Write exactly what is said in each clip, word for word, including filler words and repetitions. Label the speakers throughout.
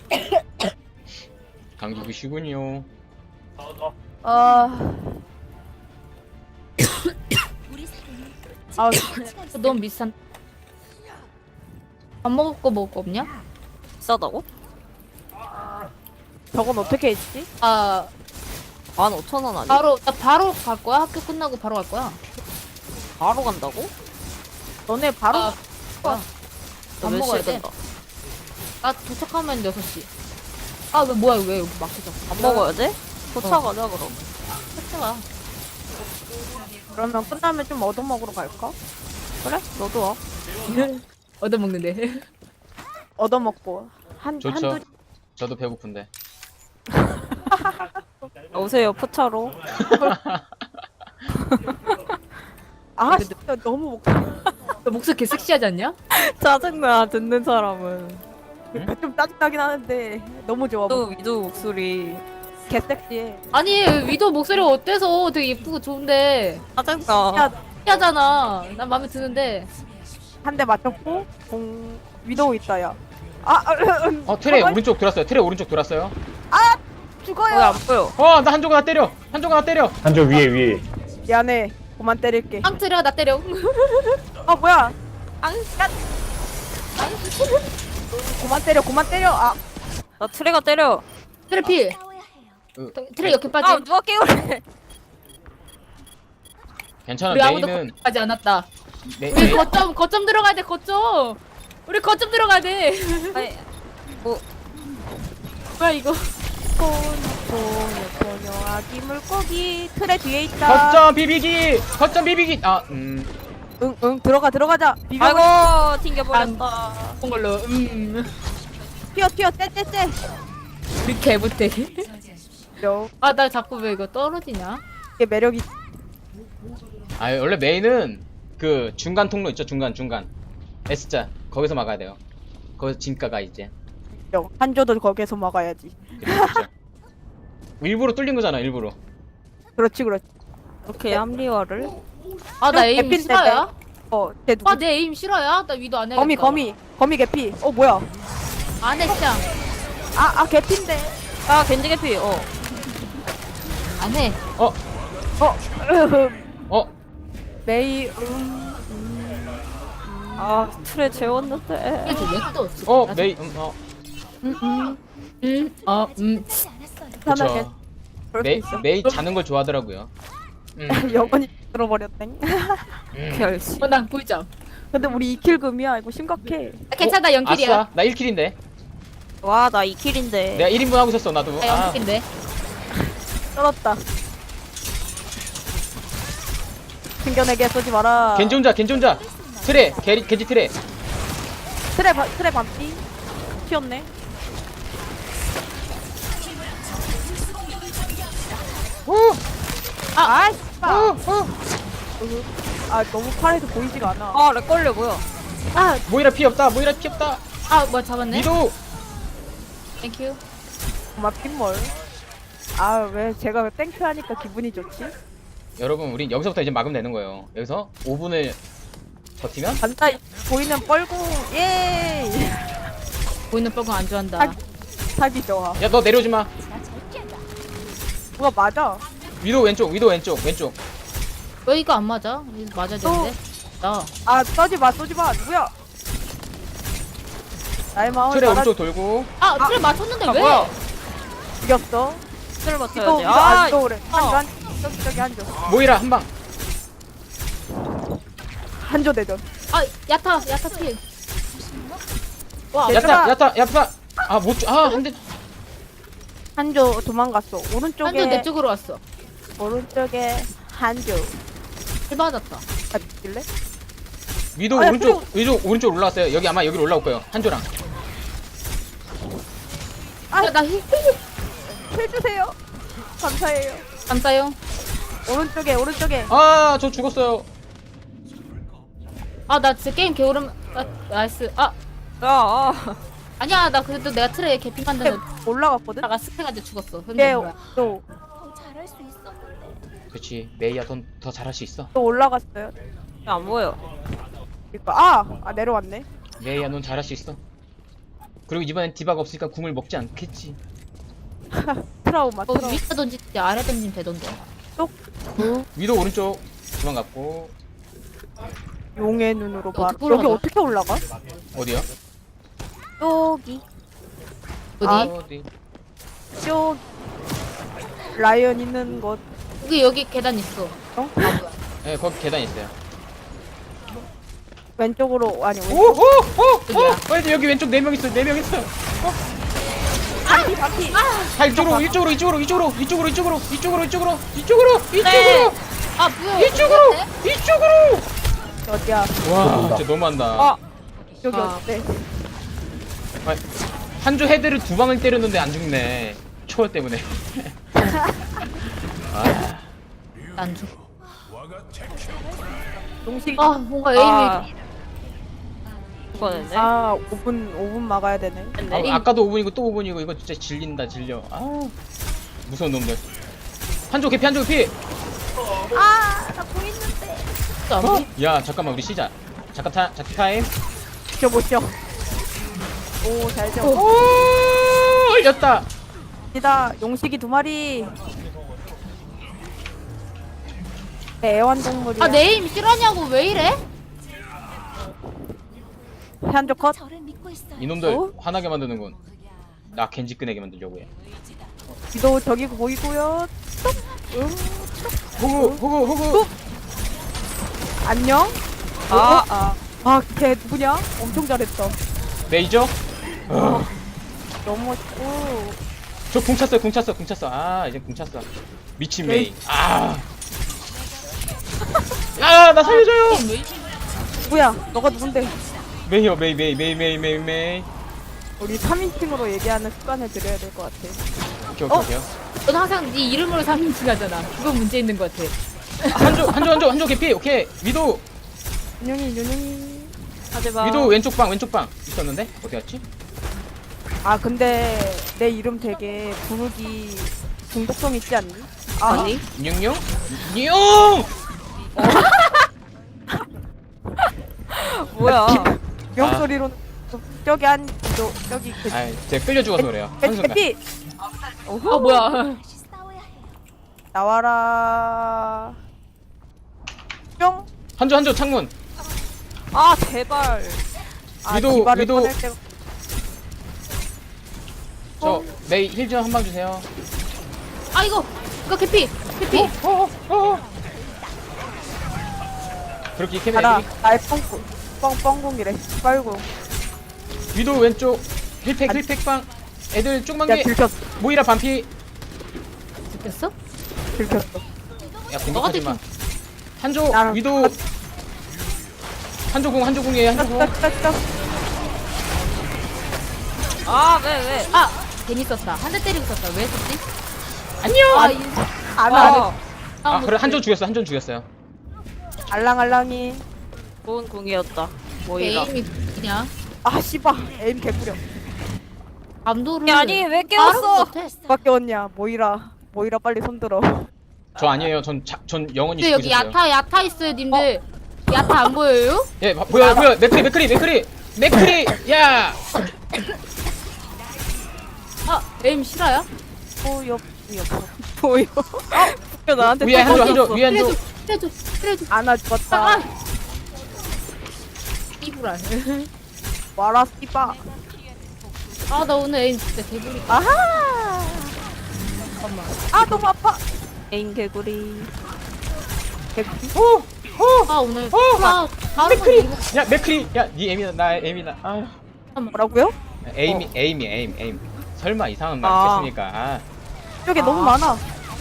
Speaker 1: 감기구시군요.
Speaker 2: 아, 아, 너무 비싼. 안 먹을 거 먹을 거 없냐?
Speaker 3: 비싸다고?
Speaker 2: 저건 어떻게 했지? 아,
Speaker 3: 만 오천 원 아니?
Speaker 2: 바로 나 바로 갈 거야. 학교 끝나고 바로 갈 거야.
Speaker 3: 바로 간다고?
Speaker 2: 너네 바로
Speaker 3: 아,
Speaker 2: 가.
Speaker 3: 너
Speaker 2: 밥
Speaker 3: 몇
Speaker 2: 먹어야
Speaker 3: 시에
Speaker 2: 돼.
Speaker 3: 된다?
Speaker 2: 나 도착하면 여섯 시. 아, 왜 뭐야? 왜 여기 막히죠?
Speaker 3: 밥 먹어야 돼? 도착하자 그럼.
Speaker 2: 도착아.
Speaker 4: 그러면 끝나면 좀 얻어먹으러 갈까?
Speaker 3: 그래? 너도 와.
Speaker 2: 얻어 먹는데.
Speaker 4: 얻어먹고 한
Speaker 1: 좋죠.
Speaker 4: 한두
Speaker 1: 저도 배고픈데.
Speaker 3: 오세요 포차로.
Speaker 4: 아 진짜 너무 먹고
Speaker 2: 너 목소리 개 섹시하지 않냐?
Speaker 3: 짜증나 듣는 사람은.
Speaker 4: 좀 짜증나긴 하는데 너무 좋아.
Speaker 3: 또 위도 목소리
Speaker 4: 개 섹시해.
Speaker 2: 아니 위도 목소리가 어때서 되게 예쁘고 좋은데
Speaker 3: 짜증나.
Speaker 4: 야,
Speaker 2: 섹시하잖아. 난 마음에 드는데.
Speaker 4: 한 대 맞췄고 공 위도우 있다 야. 아, 아 음,
Speaker 1: 어 트레
Speaker 4: 가만히-
Speaker 1: 오른쪽 돌았어요. 트레 오른쪽 돌았어요.
Speaker 4: 죽어요.
Speaker 3: 왜 안 보여?
Speaker 1: 어 나 한조가 나 때려. 한조가 나 때려.
Speaker 5: 한조 위에 위에.
Speaker 4: 미안해. 그만 때릴게.
Speaker 2: 빵 때려 나 때려.
Speaker 4: 아 뭐야?
Speaker 2: 앙.
Speaker 4: 그만 때려. 그만 때려. 아
Speaker 3: 나 트레가 때려.
Speaker 2: 트레 필.
Speaker 1: 으,
Speaker 2: 트레 이렇게
Speaker 3: 아
Speaker 2: 빠지.
Speaker 3: 누가 깨우래?
Speaker 1: 괜찮아.
Speaker 2: 우리 아무도
Speaker 1: 메인은
Speaker 2: 하지 않았다.
Speaker 1: 메,
Speaker 2: 우리
Speaker 1: 메,
Speaker 2: 거점 거점 들어가야 돼 거점. 우리 거점 들어가야 돼.
Speaker 3: 아니 뭐
Speaker 2: 뭐야 이거?
Speaker 4: 포뇨 포뇨 아기 물고기 틀에 뒤에 있다.
Speaker 1: 거점 비비기. 거점 비비기. 아 음.
Speaker 4: 응응 들어가 들어가자. 비벼.
Speaker 3: 아이고 튕겨버렸다.
Speaker 2: 그런 걸로. 음.
Speaker 4: 튀어 튀어 떼떼떼.
Speaker 2: 우리 개 못해.
Speaker 4: 요
Speaker 2: 아 나 자꾸 왜 이거 떨어지냐?
Speaker 4: 이게 매력이.
Speaker 1: 아 원래 메인은 그 중간 통로 있죠. 중간 중간. S자 거기서 막아야 돼요. 거기서 진가가 이제.
Speaker 4: 요 한조도 거기에서 막아야지.
Speaker 1: 그렇죠. 일부러 뚫린 거잖아. 일부러.
Speaker 4: 그렇지 그렇지.
Speaker 3: 이렇게 합리화를.
Speaker 2: 아 나 에임
Speaker 4: 개핀데,
Speaker 2: 싫어야?
Speaker 4: 어쟤 누구?
Speaker 2: 아 내 에임 싫어야? 나 위도 안 해.
Speaker 4: 거미 거미 거미 개피. 어 뭐야?
Speaker 2: 안해 시장.
Speaker 4: 아아 개피인데.
Speaker 3: 아 겐지 개피. 어.
Speaker 2: 안해.
Speaker 1: 어
Speaker 4: 어
Speaker 1: 어.
Speaker 4: 메이 음.
Speaker 3: 아 트레 재웠는데.
Speaker 2: 이게 왜또
Speaker 1: 어 메이. 음, 어.
Speaker 2: 음. 어. 음.
Speaker 4: 편하게.
Speaker 1: 그쵸.
Speaker 4: 그럴 수
Speaker 1: 메이
Speaker 4: 있어.
Speaker 1: 메이 자는 걸 좋아하더라고요. 음.
Speaker 4: 영원히 들어버렸네.
Speaker 1: 음.
Speaker 3: 열심히.
Speaker 2: 어, 난 꿀잠.
Speaker 4: 근데 우리 이 킬금이야. 이거 심각해.
Speaker 2: 아, 괜찮아 영킬이야.
Speaker 1: 아싸. 나 일 킬인데.
Speaker 3: 와나 이 킬인데.
Speaker 1: 내가 일 인분 하고 있었어. 나도.
Speaker 2: 나
Speaker 1: 아.
Speaker 2: 영킬인데.
Speaker 4: 떨었다. 챙겨내게 쏘지 마라.
Speaker 1: 겐지 혼자. 겐지 혼자. 트레. 겐지 겐지 트레.
Speaker 4: 트랩 바- 트랩 반피. 튀었네.
Speaker 1: 오.
Speaker 4: 아, 아, 씨발.
Speaker 1: 오. 오.
Speaker 4: 아, 너무 팔에서 보이지가 않아.
Speaker 3: 아 렉 걸려 뭐야?
Speaker 4: 아,
Speaker 1: 모이라 피 없다. 모이라 피 없다.
Speaker 2: 아 뭐야 잡았네.
Speaker 1: 미도.
Speaker 2: 땡큐.
Speaker 4: 정말 핀멀. 아, 왜 제가 땡큐 하니까 기분이 좋지?
Speaker 1: 여러분, 우린 여기서부터 이제 막으면 되는 거예요. 여기서 오 분을 버티면
Speaker 4: 간다. 보이는 뻘궁. 예.
Speaker 2: 보이는 뻘건 안 좋아한다.
Speaker 4: 사기, 사기 좋아.
Speaker 1: 야, 너 내려오지 마.
Speaker 4: 뭐가 맞아?
Speaker 1: 위도 왼쪽, 위도 왼쪽, 왼쪽.
Speaker 2: 왜 이거 안 맞아? 이거 맞아야 되는데. 나.
Speaker 4: 아, 쏘지 마, 쏘지 마. 누구야? 나의 마음을
Speaker 1: 트레
Speaker 4: 알아
Speaker 1: 오른쪽 돌고.
Speaker 2: 아 그래 맞췄는데
Speaker 3: 아,
Speaker 2: 왜?
Speaker 3: 뭐야?
Speaker 4: 죽였어.
Speaker 3: 트레
Speaker 4: 또
Speaker 3: 맞춰야지.
Speaker 4: 이거
Speaker 3: 아
Speaker 4: 안 좋으래.
Speaker 3: 어.
Speaker 4: 한조 한 저기 저기 한조.
Speaker 1: 모이라 한 방.
Speaker 4: 한조 대전.
Speaker 2: 아 야타 야타 필. 와
Speaker 4: 얘들아.
Speaker 1: 야타, 야타, 야타. 아, 못, 주- 아, 한 대.
Speaker 4: 한조 도망갔어. 오른쪽에
Speaker 2: 한조 내 쪽으로 왔어.
Speaker 4: 오른쪽에 한조.
Speaker 2: 필 맞았다.
Speaker 4: 아, 죽일래?
Speaker 1: 위도
Speaker 4: 아, 야,
Speaker 1: 오른쪽, 위도 오른쪽 올라왔어요. 여기 아마 여기로 올라올 거예요. 한조랑.
Speaker 4: 아.
Speaker 2: 야, 나 힐.
Speaker 4: 해주세요. 감사해요.
Speaker 2: 감사요.
Speaker 4: 오른쪽에 오른쪽에.
Speaker 1: 아, 저 죽었어요.
Speaker 2: 아 나 진짜 게임 개오름. 아 나이스. 아
Speaker 3: 야, 아.
Speaker 2: 아니야 나 그래도 내가 트레에 개피 만드는
Speaker 4: 올라갔거든.
Speaker 2: 나가 스펙한테 죽었어.
Speaker 4: 얘
Speaker 2: 근데 뭐야?
Speaker 4: 또,
Speaker 1: 그렇지. 메이야, 더, 더 잘할 수 있어.
Speaker 4: 또 올라갔어요.
Speaker 3: 안 보여.
Speaker 4: 그러니까 아, 아 내려왔네.
Speaker 1: 메이야, 넌 잘할 수 있어. 그리고 이번엔 디바가 없으니까 궁을 먹지 않겠지.
Speaker 4: 트라우마
Speaker 2: 어,
Speaker 4: 트라우마.
Speaker 2: 위에 던지지 아래 던지면 되던데.
Speaker 1: 위도 오른쪽 도망갔고.
Speaker 4: 용의 눈으로 봐.
Speaker 2: 어떻게
Speaker 4: 여기
Speaker 2: 올라가죠?
Speaker 4: 어떻게 올라가?
Speaker 1: 어디요?
Speaker 3: 여기.
Speaker 2: 어디?
Speaker 4: 아.
Speaker 1: 어디?
Speaker 4: 쭉 라이언 있는 곳.
Speaker 2: 여기 여기 계단 있어.
Speaker 4: 어?
Speaker 2: 아 뭐야?
Speaker 1: 네 거기 계단 있어요.
Speaker 4: 왼쪽으로 아니 왼쪽.
Speaker 1: 오오오오 어, 여기 왼쪽 네 명 있어. 네 명 있어.
Speaker 4: 바퀴 바퀴.
Speaker 1: 자 이쪽으로 이쪽으로 이쪽으로 이쪽으로 이쪽으로 이쪽으로 이쪽으로 이쪽으로 이쪽으로
Speaker 2: 네.
Speaker 1: 이쪽으로
Speaker 2: 아 뭐야?
Speaker 1: 이쪽으로 이쪽으로.
Speaker 4: 어디야?
Speaker 1: 와 진짜 너무한다.
Speaker 4: 아 여기
Speaker 2: 아.
Speaker 4: 어때?
Speaker 1: 한조 헤드를 두 방을 때렸는데 안 죽네. 초월 때문에. 아,
Speaker 2: 안 줘.
Speaker 4: 용식.
Speaker 2: 아 뭔가 에임이
Speaker 3: 아. 이거는데.
Speaker 4: 아 오 분 오 분 막아야 되네.
Speaker 1: 아 아까도 오 분이고 또 오 분이고 이거 진짜 질린다 질려. 아 무서운 놈들. 한조 개피 한조 개피.
Speaker 4: 아나 보이는데.
Speaker 2: 진짜 안 돼.
Speaker 1: 야 잠깐만 우리 시작. 잠깐 타 자키 타임.
Speaker 4: 저 못죠. 오잘 져.
Speaker 1: 오 올렸다.
Speaker 4: 니다 용식이 두 마리. 네, 애완동물이야.
Speaker 2: 아내 에임 실화냐고 왜 이래?
Speaker 4: 한조 컷.
Speaker 1: 이놈들
Speaker 4: 어?
Speaker 1: 화나게 만드는군. 나 겐지 끄내게 만들려고 해.
Speaker 4: 기도 저기 보이고요. 응.
Speaker 1: 호구 호구 호구.
Speaker 4: 안녕.
Speaker 3: 아,
Speaker 4: 아, 아, 걔 누구냐? 엄청 잘했어.
Speaker 1: 메이저. 어.
Speaker 4: 너무 멋있고.
Speaker 1: 저 궁 찼어요 궁 찼어 궁 찼어. 아 이제 궁 찼어. 미친
Speaker 4: 메이.
Speaker 1: 메이. 아. 야나 살려줘요.
Speaker 2: 에임 왜 이래?
Speaker 4: 누구야? 너가 누군데?
Speaker 1: 메이요 메이 메이 메이 메이 메이 메이.
Speaker 4: 우리 삼 인칭으로 얘기하는 습관을 들여야 될 것 같아.
Speaker 1: 오케이
Speaker 4: 어?
Speaker 1: 오케이 오케이.
Speaker 2: 넌 항상 네 이름으로 삼인칭 하잖아. 그건 문제 있는 것 같아.
Speaker 1: 한조 한조 한조 한조 개피. 오케이 위도
Speaker 4: 윤영이, 윤영이.
Speaker 3: 하지마.
Speaker 1: 위도 왼쪽 방 왼쪽 방 있었는데 어디 갔지?
Speaker 4: 아, 근데 내 이름 되게 부르기 중독성 있지 않니? 아,
Speaker 3: 아니?
Speaker 1: 뇽뇽 뇽.
Speaker 3: 뭐야?
Speaker 4: 명
Speaker 1: 아.
Speaker 4: 소리로 저기 한, 저, 저기 그
Speaker 1: 아 제가 끌려 죽어서 그래요.
Speaker 4: 해-
Speaker 1: 한순간.
Speaker 4: 해피
Speaker 2: 아 뭐야?
Speaker 4: 나와라. 뿅.
Speaker 1: 한조 한조 창문.
Speaker 3: 아 제발.
Speaker 4: 아,
Speaker 1: 위도,
Speaker 4: 디바를
Speaker 1: 위도.
Speaker 4: 꺼낼 때가-
Speaker 1: 저 메이 힐 좀 한 방 주세요.
Speaker 2: 아 이거 이거 개피 개피.
Speaker 1: 어, 어, 어. 그렇게 캐면
Speaker 4: 가라.
Speaker 1: 애들이
Speaker 4: 나의 뻥꾸. 뻥, 뻥공이래. 빨고.
Speaker 1: 위도 왼쪽 힐팩 힐팩 방. 애들 조그만
Speaker 4: 야,
Speaker 1: 게
Speaker 4: 들켰어.
Speaker 1: 모이라 반피.
Speaker 2: 느꼈어?
Speaker 4: 들켰어.
Speaker 1: 야 공격하지 마. 한조
Speaker 4: 나랑
Speaker 1: 위도 한조 공 한조 공이에요 한조 공.
Speaker 4: 딱,
Speaker 3: 아 왜 왜?
Speaker 2: 아 괜히 썼다. 한 대 때리고 썼다. 왜 썼지?
Speaker 1: 안녕.
Speaker 2: 아 이.
Speaker 4: 안
Speaker 3: 아,
Speaker 4: 와.
Speaker 1: 아 그래 한조 죽였어 한조 죽였어요.
Speaker 4: 알랑알랑이.
Speaker 3: 좋은 궁이었다. 모이라.
Speaker 2: 에임이 그냥
Speaker 4: 아, 씨발. 에임 개구려.
Speaker 2: 감도를.
Speaker 3: 아니 왜
Speaker 2: 빠른
Speaker 3: 깨웠어?
Speaker 2: 것 같아.
Speaker 4: 누가 깨웠냐. 모이라. 모이라 빨리 손들어.
Speaker 1: 저 아니에요. 전, 자, 전 영원히
Speaker 2: 근데
Speaker 1: 죽고
Speaker 2: 여기
Speaker 1: 있었어요.
Speaker 2: 야타 야타 있어요 님들. 야타 안 보여요?
Speaker 1: 예, 봐- 보여 보여. 맥크리 맥크리 맥크리 맥크리. 야.
Speaker 2: 아 에임 실화야?
Speaker 4: 보여. 보여. 어? 나한테
Speaker 1: 위에 한조 한조
Speaker 4: 떴어.
Speaker 1: 위에 한조.
Speaker 2: 그래도 그래도
Speaker 4: 아나 죽었다.
Speaker 2: 아. 이불알.
Speaker 4: 와라, 씨발.
Speaker 2: 아나 오늘 에임 진짜 개구리.
Speaker 4: 아하.
Speaker 2: 잠깐만.
Speaker 4: 아, 너무 아파.
Speaker 3: 에인 개구리.
Speaker 4: 개구리.
Speaker 1: 오. 오.
Speaker 2: 아 오늘
Speaker 1: 어,
Speaker 2: 아 다른
Speaker 1: 맥크리.
Speaker 2: 건 이거
Speaker 1: 야 맥크리. 야, 니 에임이다. 나 에임이다. 아.
Speaker 4: 뭐라고요?
Speaker 1: 에임이 에임이 에임 에임. 설마 이상한 말
Speaker 4: 아.
Speaker 1: 했겠습니까? 아.
Speaker 4: 저기
Speaker 2: 아.
Speaker 4: 너무 많아.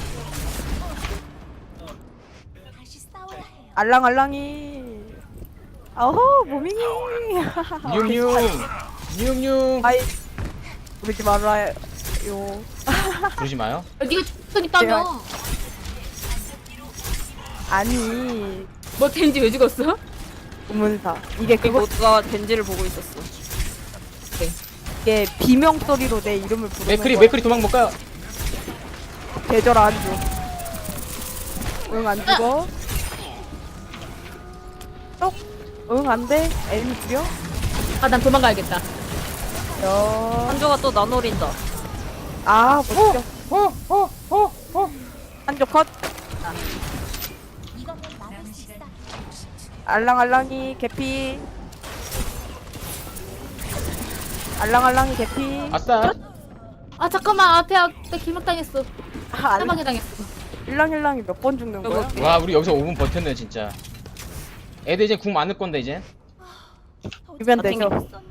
Speaker 4: 알랑알랑이. 어허, 무밍이.
Speaker 1: 뉴뉴. 뉴뉴.
Speaker 4: 아이, 그러지 말아요.
Speaker 1: 그러지 마요.
Speaker 2: 아, 네가 죽선 있다며.
Speaker 4: 아니,
Speaker 2: 뭐 된지 왜 죽었어?
Speaker 4: 우문사. 이게
Speaker 3: 그
Speaker 4: 그거,
Speaker 3: 모두가 덴지를 보고 있었어.
Speaker 4: 이게 비명 소리로 내 이름을 부르는
Speaker 1: 맥크리
Speaker 4: 거야.
Speaker 1: 맥크리 도망 못 가요.
Speaker 4: 계절 안 줘. 응, 안 죽어. 똑. 응, 안 돼. 애미 죽여.
Speaker 2: 아 난 도망가야겠다.
Speaker 4: 여.
Speaker 3: 한조가 또 나 노린다.
Speaker 4: 아, 멋져.
Speaker 1: 어, 어, 어, 어.
Speaker 4: 한쪽 컷. 알랑알랑이 개피. 알랑알랑이 개피.
Speaker 1: 아싸.
Speaker 2: 아 잠깐만 앞에 앞에 길막당했어.
Speaker 4: 아,
Speaker 2: 사방에 당했어.
Speaker 4: 일랑일랑이 몇 번 죽는 거야?
Speaker 3: 여보.
Speaker 1: 와, 우리 여기서 오 분 버텼네, 진짜. 애들 이제 궁 많을 건데, 이제.
Speaker 4: 주변 되죠.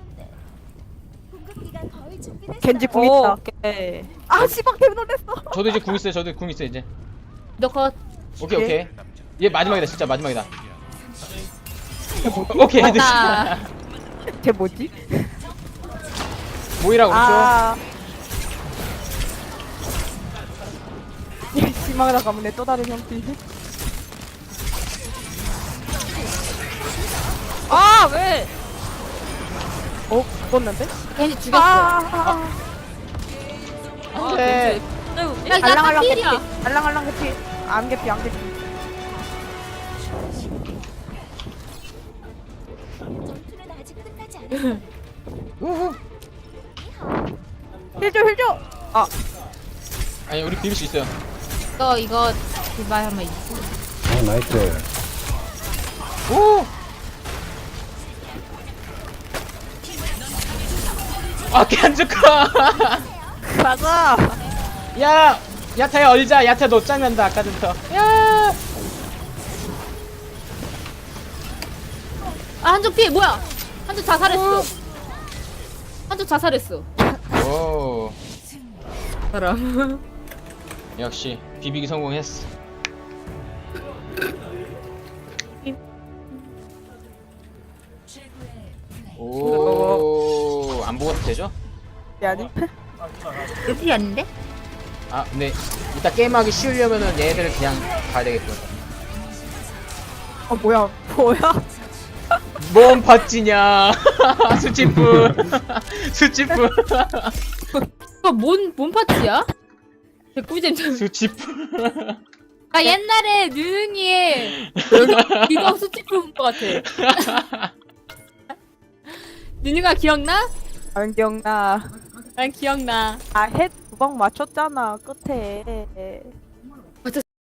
Speaker 4: 겐지 궁
Speaker 3: 오,
Speaker 4: 있다.
Speaker 3: 오케이.
Speaker 4: 아, 씨발 개 놀랬어.
Speaker 1: 저도 이제 궁 있어요, 저도 궁 있어요, 이제.
Speaker 2: 너 컷.
Speaker 1: 오케이,
Speaker 4: 예.
Speaker 1: 오케이. 얘 마지막이다, 진짜 마지막이다. 오케이, 애들.
Speaker 2: 아.
Speaker 4: 쟤 뭐지?
Speaker 1: 모이라, 오른쪽.
Speaker 4: 아. 얘 심하다 가면 또 다른 형태.
Speaker 3: 아, 왜?
Speaker 4: 어, 죽었는데?
Speaker 2: 괜히 죽였어.
Speaker 4: 아, 아,
Speaker 3: 아,
Speaker 1: 안 돼.
Speaker 3: 겐지. 왜 웃지?
Speaker 2: 야, 야,
Speaker 4: 알랑알랑 개피.
Speaker 2: 필이야.
Speaker 4: 알랑알랑 개피. 암 개피, 암 개피.
Speaker 5: 전투는 아직 끝나지 않았어.
Speaker 1: 우후.
Speaker 4: 힐 줘, 힐 줘. 아,
Speaker 1: 아니, 우리 비빌 수 있어요.
Speaker 2: 너 이거 그말 한번 있어.
Speaker 6: 어, 나이스.
Speaker 1: 오! 아, 깐죽카!
Speaker 3: 가자.
Speaker 1: 야! 야타야, 얼자! 야타 너 짱난다, 아까 전부터. 야!
Speaker 2: 아 한쪽 피 뭐야? 한쪽 자살했어. 한쪽 자살했어.
Speaker 1: 오.
Speaker 2: 사람.
Speaker 1: 역시, 비비기 성공했어. 오, 안 보고도 되죠?
Speaker 4: 야, 아니.
Speaker 2: 여기 아닌데?
Speaker 1: 아, 근데 이따 게임하기 쉬우려면은 얘네들을 그냥 가야 되겠군.
Speaker 4: 어, 뭐야, 뭐야?
Speaker 1: 뭔 팥찌냐? 수치프. 수치프.
Speaker 2: 이거 뭔, 뭔 파티야? 개꿀잼.
Speaker 1: 수치프.
Speaker 2: 나 옛날에 누능이의 리더 수치프 본것 같아. 누능아 기억나?
Speaker 4: 안 기억나.
Speaker 2: 난 기억나.
Speaker 4: 아, 햇 두 방 맞췄잖아, 끝에.